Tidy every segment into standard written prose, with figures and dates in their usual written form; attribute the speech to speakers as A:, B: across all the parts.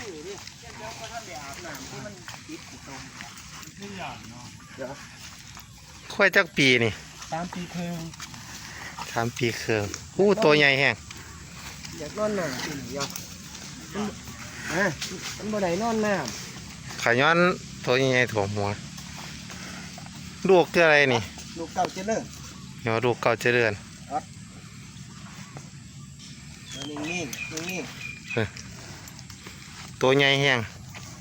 A: ดิเจ้าก็ท่านได้อาบน้ำที่มันติดอยู่ตรงไม่อยากเนาะเดี๋ยว
B: ค่อยจักปีนี่
A: 3 ปีครึ่ง
B: 3 ปีครึ่งตัวใหญ่แห้ง
A: อยากนอนหน่อยสิอยากมันบ่ได้นอนน้
B: ำขาย้อนตัวใหญ่ถ่วงหัวลูกคืออะไรนี่
A: ลูกเก่าเจริญ
B: เดี๋ยวลูกเก่าเจริญ
A: นี่
B: ตัวใหญ่แห้ง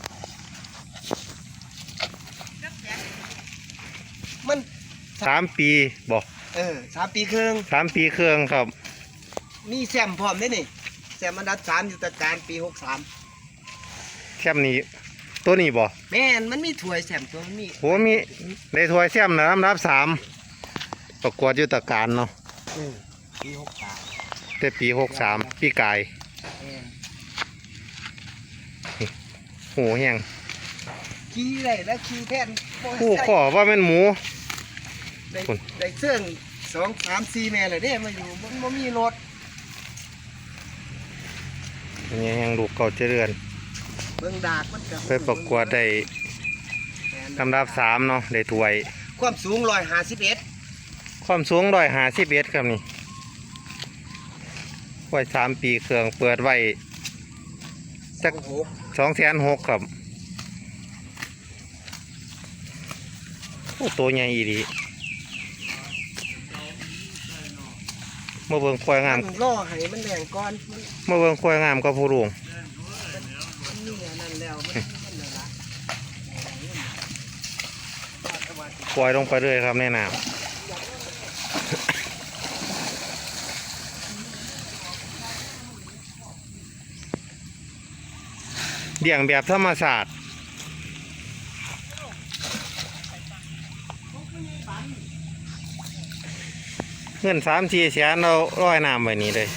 A: มัน
B: 3 ปีบอก
A: 3 ปีครึ่ง
B: 3 ปีครึ่งครับ
A: มีแซมพร้อมได้นี่แซมอันดับ3อยู่ตะการปี63
B: แซมนี้ตัวนี้บ่
A: แม่นมันมีถ้วยแซมตัวมี
B: โหมีได้ถ้วยแซมนะลำดับ3ประกวดอยู่ตะการเนาะ
A: ปี63
B: แต่ปี63ปีกายโหแห้ง
A: ขี้ได้แล้วขี้แทน
B: ขอว่าเป็นหมู
A: ได้เสื่อง2 3 4แม่เลยเด้มาอยู่มันมีรถ
B: นี่แห้งลูกเก่าเจริญ
A: เบิ่งดากมัน
B: ไปประกวดได้ลำดับ3เนาะได้ถ้วย
A: ความสูง151
B: ความสูง151ครับนี่ไว้3 ปีเครื่องเปิดไว้สัก260,000ครับตัวใหญ่อีดีเมื่อเบิ่งควายงาม
A: ล่อให้มันแดงก่อน
B: เมื่อเบิ่งควายงามก็ผู้ลุงควายลงไปเรื่อยครับแน่นอนเลี้ยงแบบธรรมศาสตร์เงิน3-4 แสนเราร้อยน้ำไว้นี้เลย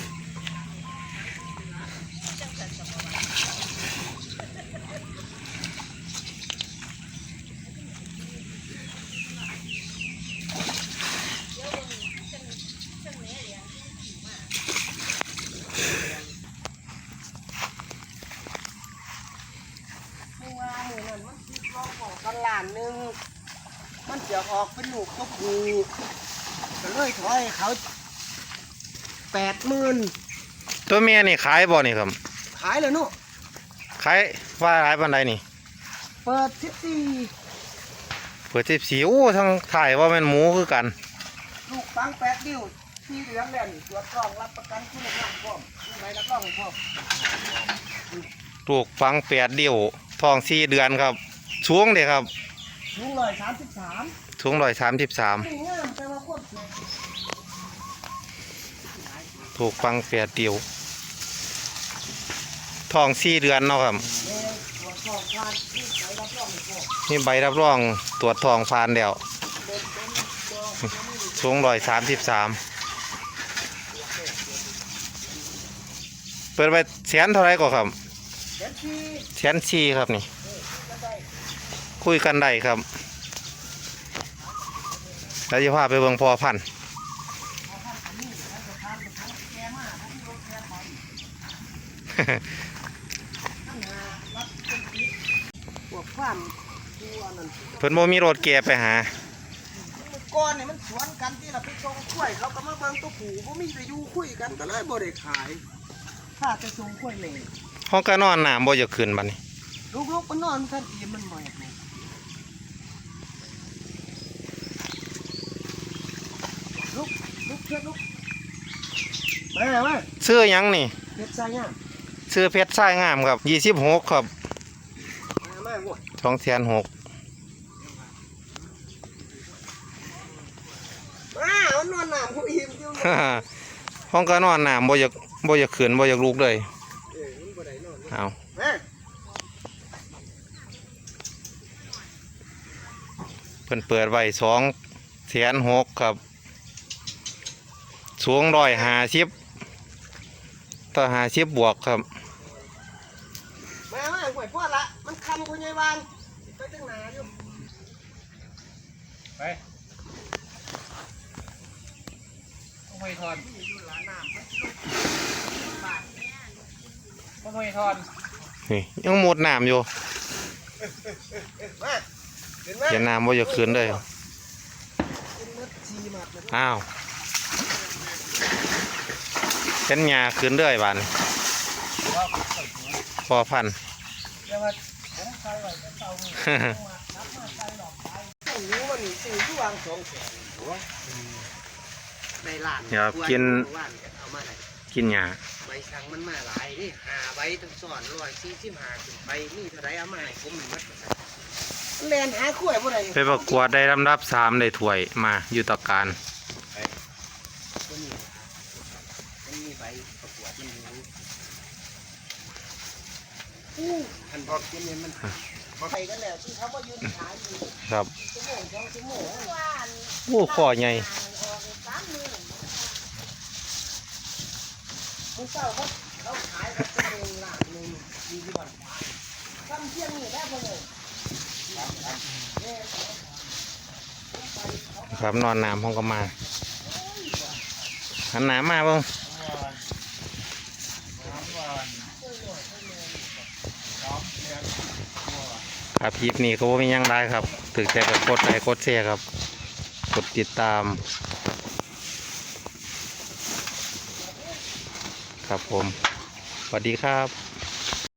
A: กันล้านนึงมันจะออกเป็นลูกตัวผู้ก็เลยถอยเขา80,000
B: ตัวเมียนี่ขายบ่นี่ครับ
A: ขายเลยเนาะ
B: ขายว่าขายปันใดนี่
A: เปิด
B: 14โอ้ทั้งถ่ายว่าเป็นหมูคือกัน
A: ลูกปัง8 นิ้ว4 เดือนแล้วนี่ตรวจกล้องรับประกันคุณภาพพร้อมใบรับรองพร้อม
B: ลูกฟัง8 เดี่ยวทอง4 เดือนครับสูงเด้ครับ
A: สูง133
B: สูง133ถูกฟัง8 เดี่ยวทอง4 เดือนเนาะครับนี่ใบรับรองตรวจทองผ่านแล้วสูง133เปิดไปแสนเท่าไรก็ครับ1,400,000ครับนี่คุยกันได้ครับแล้วจะพาไปเบิ่งพอพันธุ์เพิ่นบ่มีรถแก่ไปหา
A: ก้อนเนี่ยมันสวนกันที่เราไปส่งกล้วยเขาก็มาเบิ่งตัวผูก็มีแต่อยู่คุยกันก็เลยบ่ได้ขายถ้าจะส่งกล้วยเลย
B: ห้องก็นอนน้ำบ่จะขึ้นบัดนี้
A: ลูกๆมันนอนท่านอีมันใหม่ลุกเพื่อนลุกมา
B: ซื้อยังนี่
A: เพชรทรายงาม
B: ซื้อเพชรทรายงามครับ26ครับ2,600,000
A: นอนหนามเขาอิ่มอยู่
B: ห้องก็นอนน้ำบ่อยากขึ้นบ่อยากลุกเลยเอาเพิ่นเปิดไว้2,600,000ครับสูง150ต่อ50บวกครับ
A: มาหวยพ่อละมันคำคุณยายวางไปตั้งนานอยู่ไปไม่ทอนไม่ทอน
B: นี่ยังหมดน้ำอยู่
A: มาเห็นไหม
B: เห็นน้ำว่าจะคืนเลย
A: เป็นมัดชีมัดเลย
B: อ้าวเห็นหญ้าคืนเลยบานพอพัน
A: เดี๋ยวมาผมใส่ไว้จะเตาเนี่ยมานับมาใส่หลอกไปต้องรู้ว่านี่ซื้อที่วาง2 แสนหัวในร้าน
B: ครับกิน
A: ว่านเอามาไหน
B: กินหญ้า
A: ใบสั่งมันมาหลายนี่5 ใบทั้งซ้อน145ขึ้นไปนี่เท่าไรเอามาให้ผมมัดแลนหาขั้วบ่ได้
B: ไปประกวดได้ลำดับ3ได้ถ้วยมาอยู่ตะการ
A: ตัวนี้มันมีใบประกวดมันอยู่อันบอกกินเนี่ยมันไปกันแล้วที่เขามายืนขายอยู่
B: ครับ
A: ชั่วโมง2 ชั่วโมง
B: โอ้ข้อใหญ่
A: มึงเศร้าเขาขายกันชั่วโมงละ1มีที่บ้านทำเที่ยงนี่ได้บ่เลย
B: ครับนอนน้ำห้องก็มาหันหน้ามาเบ้างครับคลิปนี้ก็บ่มีหยังได้ครับถึงใจกับกดไลค์กดแชร์ครับ กดติดตาม ครับผมสวัสดีครับ